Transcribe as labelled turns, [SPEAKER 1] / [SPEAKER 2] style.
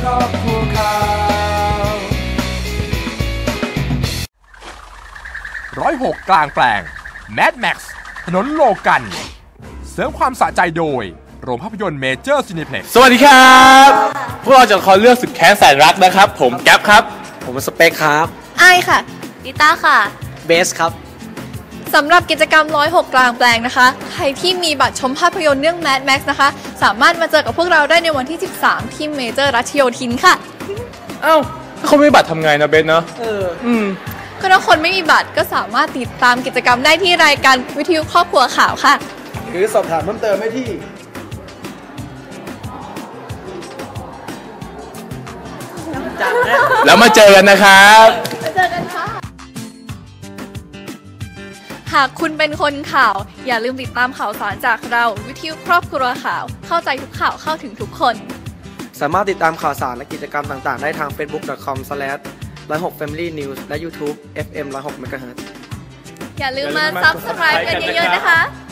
[SPEAKER 1] อบครัวข่าว
[SPEAKER 2] 106 กลางแปลง Mad Max ถนนโลกันเสริมความสะใจโดยโรงภาพยนตร์เมเจอร์ซินิเพล็กซ์
[SPEAKER 3] สวัสดีครับพวกเราจะขอเลือกสุดแค้นแสนรักนะครับผมแก๊ปครับ
[SPEAKER 4] ผมสเปคครับ
[SPEAKER 5] ไอค่ะดิต้าค่ะ
[SPEAKER 4] เบสครับ
[SPEAKER 5] สำหรับกิจกรรม106 กลางแปลงนะคะใครที่มีบัตรชมภาพยนตร์เรื่อง Mad Max นะคะสามารถมาเจอกับพวกเราได้ในวันที่ 13 ที่เมเจอร์รัชโยธินค่ะ
[SPEAKER 3] เอ้าถ้าเขาไม่มีบัตรทำไงนะเบสเนาะ
[SPEAKER 5] ก็ถ้าคนไม่มีบัตรก็สามารถติดตามกิจกรรมได้ที่รายการวิทยุครอบครัวข่าวค่ะ
[SPEAKER 1] หรือสอบถามเพิ่มเติมได้ที่
[SPEAKER 3] แล้วมาเจอกันนะครับ
[SPEAKER 5] มาเจอกันค่ะหากคุณเป็นคนข่าวอย่าลืมติดตามข่าวสารจากเราวิทยุครอบครัวข่าวเข้าใจทุกข่าวเข้าถึงทุกคน
[SPEAKER 4] สามารถติดตามข่าวสารและกิจกรรมต่างๆได้ทาง facebook.com/106familynews และ YouTube FM 106 MHz
[SPEAKER 5] อย่าลืมมา Subscribe กันเยอะๆนะคะ